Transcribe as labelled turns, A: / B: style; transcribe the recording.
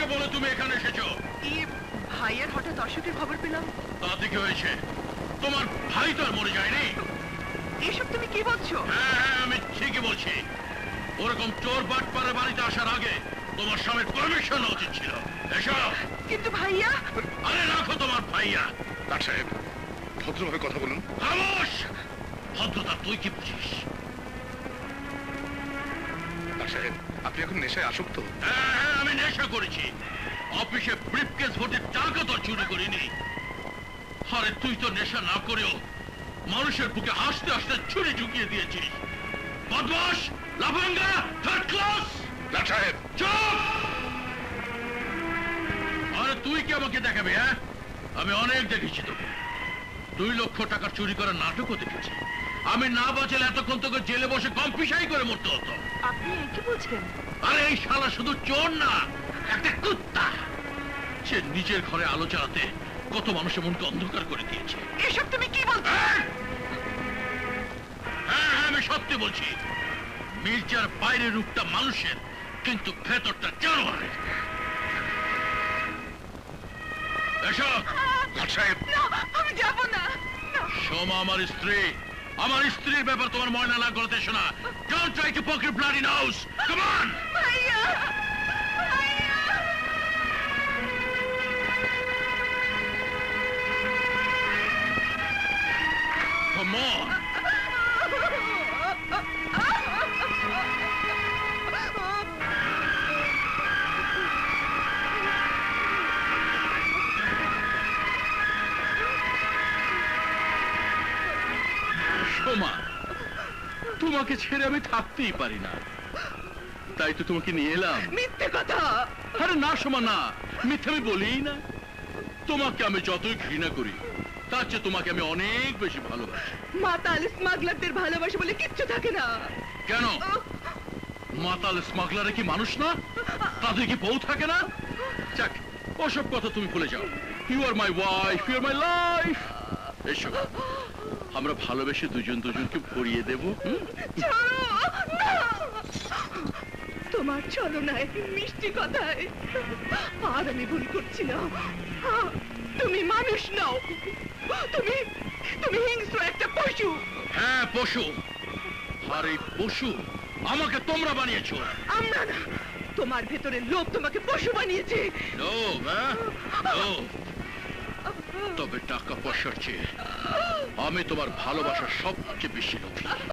A: বলে তুমি এখানে এসেছো?
B: ভাইয়ের হঠাৎ অসুখের খবর পেলাম।
A: তাতে কি হয়েছে? তোমার ভাই তো আর মরে যায়নি।
B: এসব তুমি কি বলছো?
A: হ্যাঁ, আমি ঠিকই বলছি। ওরকম চোর বাটপাড়ের বাড়িতে আসার আগে তোমার স্বামীর পারমিশন উচিত ছিল। এসব।
B: কিন্তু ভাইয়া।
A: আরে রাখো তোমার ভাইয়া।
C: ডাক্তার সাহেব, ভদ্রভাবে কথা বলুন।
A: খামোশ! ভদ্রতা তুই কি বুঝিস?
C: ডাক্তার সাহেব, আপনি এখন নেশায় আসক্ত।
A: হ্যাঁ, আমি নেশা করেছি। অফিসে ব্রিফকেস ভর্তি টাকা তো চুরি করিনি। আরে তুই তো নেশা না করেও মানুষের বুকে হাসতে হাসতে ছুরি ঢুকিয়ে দিয়েছিস। বদমাশ, লাফাঙ্গা, থার্ড ক্লাস।
C: ডাক্তার সাহেব,
A: চুপ! আরে তুই কি আমাকে দেখাবি? হ্যাঁ, আমি অনেক দেখেছি তোকে। 2 লক্ষ টাকা চুরি করার নাটকও দেখেছি। আমি না বাঁচলে এতক্ষণ তোকে জেলে বসে কম্পিসাই করে মরতে হতো।
B: আপনি কি বলছেন?
A: আরে এই শালা শুধু চোর না, একটা কুত্তা। সে নিজের ঘরে আলো জ্বালাতে কত মানুষের মনকে অন্ধকার করে দিয়েছে।
B: এসব তুমি কি বলছো?
A: হ্যাঁ, আমি সত্যি বলছি। মির্জার বাইরের রূপটা মানুষের, কিন্তু ভেতরটা জানোয়ারের। এসব।
C: ডাক্তার সাহেব,
B: আমি যাব না।
A: সোমা আমার স্ত্রী। আমার স্ত্রীর ব্যাপার তোমার ময়না না করতে শোনা। Don't try to poke your bloody nose. Come on.
B: ভাইয়া, ভাইয়া।
A: Come on. সোমা, তোমাকে ছেড়ে আমি থাকতেই পারি না, তাই তো তোমাকে নিয়ে এলাম।
B: মিথ্যে কথা।
A: আরে না সোমা, না, মিথ্যে আমি বলিই না। তোমাকে আমি যতই ঘৃণা করি, তার চেয়ে তোমাকে আমি অনেক বেশি ভালোবাসি।
B: মাতাল স্মাগলারদের ভালোবাসা বলে কিচ্ছু থাকে না।
A: কেন? মাতাল স্মাগলারে কি মানুষ না? তাদের কি বউ থাকে না? যাক, ওসব কথা তুমি ভুলে যাও। You are my wife, you are my life. এসো, আমরা ভালোবেসে দুজন দুজনকে ভরিয়ে দেব।
B: ছাড়ো, না। তোমার ছলনায়, মিষ্টি কথায় আর আমি ভুল করছি না। তুমি মানুষ নও, তুমি তুমি হিংস্র একটা পশু।
A: হ্যাঁ, পশু। আর এই পশু আমাকে তোমরা বানিয়েছো।
B: আমরা না, তোমার ভেতরের লোভ তোমাকে পশু বানিয়েছে।
A: লোভ? হ্যাঁ, লোভ। তবে টাকা পয়সার চেয়ে আমি তোমার ভালোবাসা সবচেয়ে বেশি লোভী।